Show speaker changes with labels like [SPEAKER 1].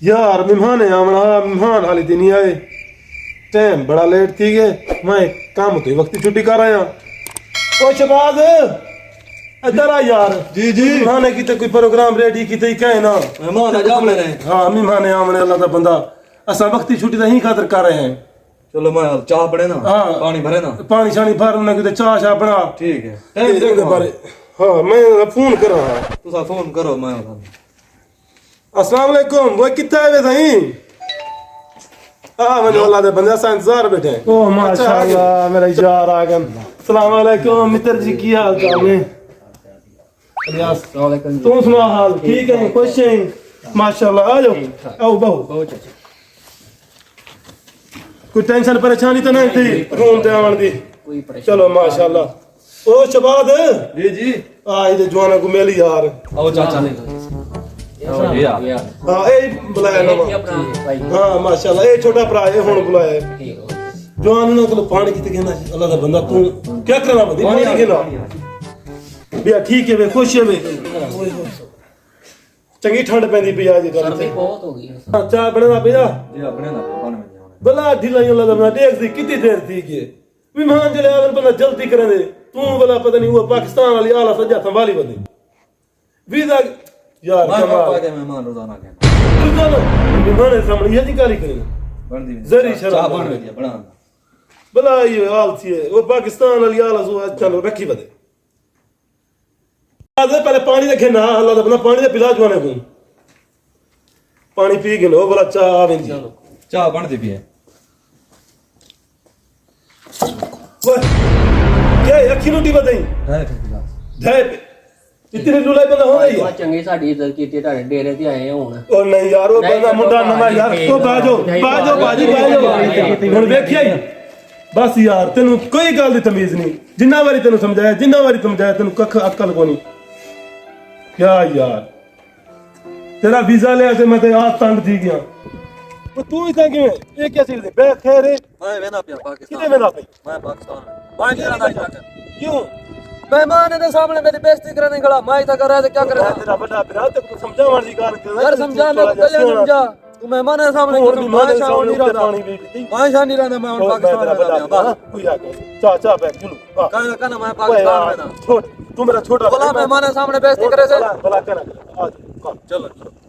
[SPEAKER 1] यार मेहमान है आमना मेहमान हाली दिन नहीं आए टाइम बड़ा लेट थी गए मैं काम तो वक्त छुट्टी कर आया ओ शबाज इधर आ यार
[SPEAKER 2] जी जी
[SPEAKER 1] मेहमान की तो कोई प्रोग्राम रेडी की तो कहे ना
[SPEAKER 2] मेहमान आज आमले ने
[SPEAKER 1] हाँ मेहमान आमने अल्लाह का बंदा असा वक्त छुट्टी तो ही खातर कर रहे हैं
[SPEAKER 2] चलो मैं चाह पड़े ना
[SPEAKER 1] हाँ
[SPEAKER 2] पानी भरे ना
[SPEAKER 1] पानी शानी भर उन्हें किते चाह शाह बना
[SPEAKER 2] ठीक है टाइम देखो
[SPEAKER 1] बारे हाँ मैं फोन कर रहा
[SPEAKER 2] तुसा फोन करो मैं
[SPEAKER 1] अस्सलाम वालेकुम वो कितना है सही हाँ मैंने अल्लाह दे बंदे सा इंतजार बैठे ओ माशाल्लाह मेरा यार आ गया अस्सलाम वालेकुम मित्र जी की हाल चाल है तुम सुना हाल ठीक है खुश हैं माशाल्लाह आ जाओ आओ बहू कोई टेंशन परेशानी तो नहीं थी रूम ते आवन दी चलो माशाल्लाह ओ शबाद
[SPEAKER 2] जी जी
[SPEAKER 1] आ इधर जवाना को मिल यार
[SPEAKER 2] आओ चाचा ले
[SPEAKER 1] हाँ ए बुलाया ना हाँ माशाल्लाह ए छोटा भरा है हुन बुलाया है जवान ने को पानी किते कहना अल्लाह दा बंदा तू क्या करना बंदी पानी कहना बिया ठीक है वे खुश है वे चंगी ठंड पैंदी पई आज गल ते
[SPEAKER 3] बहुत हो गई
[SPEAKER 1] हां चाय बनना पिया
[SPEAKER 2] जी अपने ना पानी में
[SPEAKER 1] बला ढिलाई अल्लाह दा बंदा देख दी कितनी देर थी के विमान चले आवन बंदा जल्दी करे दे तू बला पता नहीं वो पाकिस्तान वाली आला सजा संभाली बंदी वीजा यार कमाल
[SPEAKER 2] के मेहमान रोजाना के
[SPEAKER 1] रोजाना मेहमान सामने ये निकाली करे
[SPEAKER 2] बन दी
[SPEAKER 1] जरी शराब
[SPEAKER 2] चाह बन गई बना
[SPEAKER 1] बला ये हाल थी वो पाकिस्तान वाली आला सो चलो रखी बदे आदे पहले पानी रखे ना अल्लाह दा बंदा पानी दे पिला जवाने को पानी पी के लो बला चाह आवेंदी चलो
[SPEAKER 2] चाह बन दी भी है
[SPEAKER 1] वो क्या रखी रोटी बताई ढाई पे इतने लुलाई बंदा हो गई
[SPEAKER 3] चंगी साडी इज्जत कीती ਤੁਹਾਡੇ ਡੇਰੇ ਤੇ ਆਏ ਹੁਣ
[SPEAKER 1] ओ नहीं यार वो बंदा मुंडा नवा यार तो बाजो बाजी बाजो हुन देखिया ही बस यार तेनू कोई गल दी तमीज नहीं जिन्ना वारी तेनू समझाया तेनू कख अकल कोनी क्या यार तेरा वीजा ले आके मैं ते आज तंग थी गया तो तू ही था कि ये क्या चीज है बे खैर है
[SPEAKER 2] मैं वेना पिया पाकिस्तान
[SPEAKER 1] कितने मेरा भाई
[SPEAKER 2] मैं पाकिस्तान मैं नहीं रहना चाहता
[SPEAKER 1] क्यों
[SPEAKER 2] मेहमान ने सामने मेरी बेइज्जती करने गला मैं इधर कर रहा था क्या कर रहा
[SPEAKER 1] तेरा बड़ा बिरा ते को समझावन दी गल कर
[SPEAKER 2] यार समझा मैं कल समझा तू मेहमान ने सामने मैं शाह नहीं रहता मैं शाह नहीं रहता मैं पाकिस्तान में रहता हूं
[SPEAKER 1] कोई आ गया चा बैग चलो
[SPEAKER 2] कहना मैं पाकिस्तान में ना
[SPEAKER 1] छोड़ तू मेरा छोटा
[SPEAKER 2] बोला मेहमान ने सामने बेइज्जती करे से
[SPEAKER 1] भला कर चलो